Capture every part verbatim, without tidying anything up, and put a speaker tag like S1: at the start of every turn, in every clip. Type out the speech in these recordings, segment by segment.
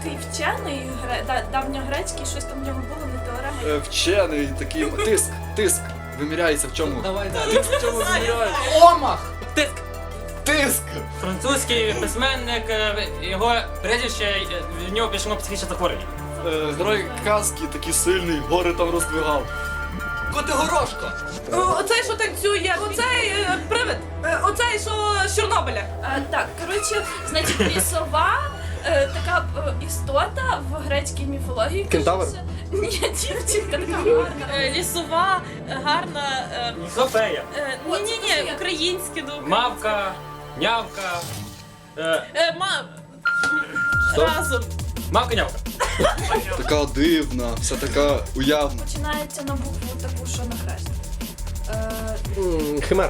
S1: такий вчений, гре- да- давньогрецький, щось там в нього було, не теорема.
S2: Е, Вчений, такий тиск, тиск. Виміряється в чому?
S3: Давай, давай.
S2: Тиск в чому виміряється?
S3: Омах!
S4: Тиск.
S2: Тиск!
S4: Французький письменник, е, його прізвище, е, в нього пішло психічне захворювання.
S2: Е, Герой казки такий сильний, гори там роздвигав.
S3: Котигорошко!
S5: О, Оцей, що танцює, оцей е, привид, Е, оцей, що з Чорнобиля.
S1: А, так, коротше, значить, лісова е, така е, істота в грецькій міфології.
S6: Кентавр?
S1: кажеться. Ні, дівчинка така гарна.
S7: Е, Лісова, е, гарна. е,
S4: Софея.
S7: е,
S1: О, це
S7: Ні-ні-ні,
S1: Софія.
S7: українське думаю.
S4: Мавка, нявка. Е,
S7: Е, ма... Разом.
S4: Мавка, нявка.
S2: Така дивна, вся така уявна.
S1: Починається на букву таку, що на хрест. Е,
S6: М, Химера.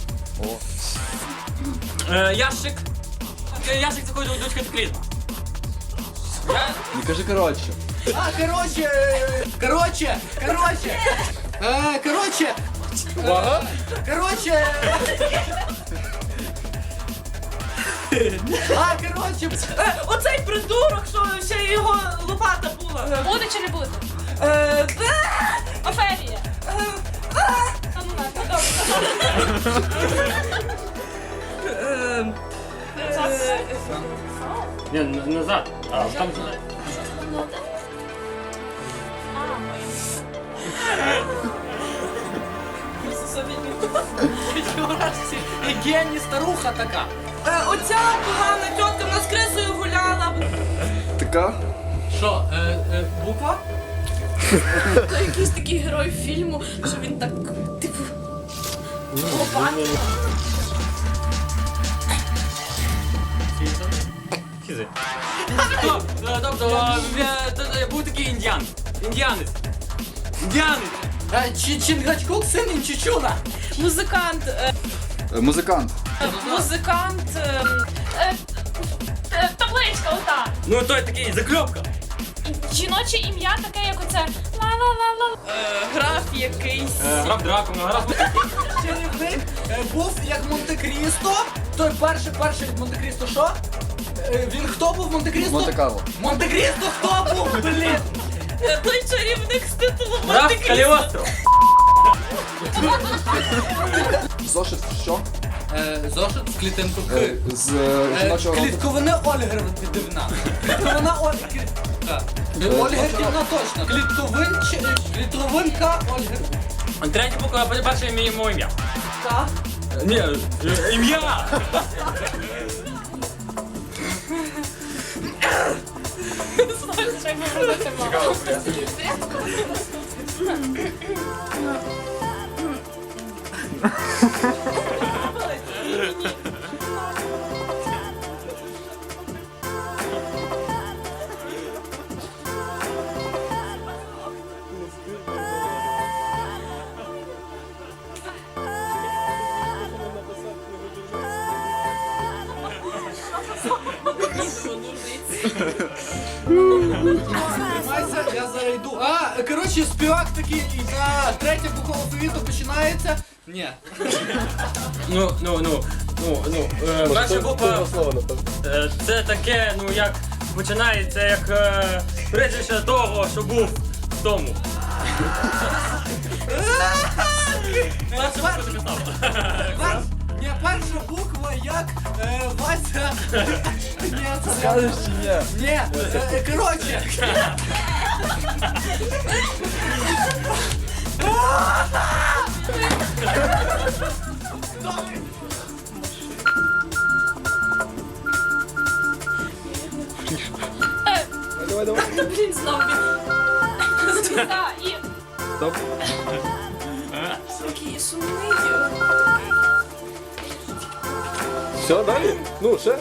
S4: Е, ящик. Е, Ящик заходить до дочки катаклізма. Я...
S2: Не кажи коротше.
S3: А, короче, е, короче, короче, е, короче,
S6: Увага!
S3: короче. А, короче,
S5: Е, Оцей придурок, що ще його лопата була.
S7: Буде чи не буде?
S5: Е, де?
S7: Офелія. Та ну на, та добре.
S5: Е, е,
S4: Ні, н- назад. А, там...
S3: гені старуха така.
S5: е, Оця погана тітка в нас крисою гуляла.
S2: Така?
S3: Що, е, е, буква?
S1: то якийсь такий герой фільму, що він так, типу, лопатою.
S4: Хізи. Стоп, е, тобто, е, т- е, був такий індіан. Індіанець. Індіанець.
S3: Е, Чи Чингачгук син Інчичуна?
S7: Музикант. е,
S2: Е, Музикант.
S7: Музикант. е, е, е, Табличка ота.
S4: Ну той такий, закльопка.
S7: Жіноче ім'я таке, як оце. Ла-ла-ла-ла. Е, Граф якийсь.
S4: Е, Грав Дракула, грав...
S3: Чарівник е, був як Монте-Крісто. Той перший, перший від Монте-Крісто, що? Е, Він хто був Монте-Крісто?
S2: Монте-Карло.
S3: Монте-Крісто хто був, блін?
S7: Е, Той чарівник з титулом
S4: Грав
S7: Монте-Крісто.
S4: Каліостров.
S2: Зошит що?
S3: Е, Зошит в клітинку К.
S2: Е, З е,
S3: Е,
S2: жіночого роду.
S3: Клітковина Ольгердівна. Клітковина Ольгер... Так. Ольгердівна точно. Клітковинч... Клітковинка Ольгер...
S4: Третя буква, перше ім'я йому ім'я.
S5: Так.
S4: Е, Ні, е, ім'я!
S7: Треба робити мало.
S3: Тримайся, я зараз йду. А, коротше, співак такий, а, третя буква алфавіту починається. Ні.
S4: Ну, ну, ну, ну, ну, е, перша буква,
S6: слова, напевно.
S4: е, це таке, ну, як починається, як е, прізвище того, що був в тому. Перша буква записав.
S3: Пер- Ні, перша буква як е, Вася. Ні, це не-
S2: Скажеш чи ні?
S3: Ні, е, е, коротше.
S6: Давай, давай.
S1: Та, блін, знов він.
S7: Звізда і...
S6: Стоп.
S1: Такий сумний.
S6: Все, далі? Ну, ще?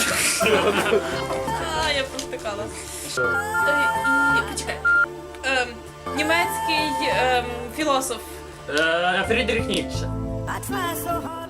S7: А, я провтикала.
S1: Е, І, почекай.
S7: Ем, Німецький ем, філософ.
S4: Е, Фрідріх Ніцше.
S8: I try so hard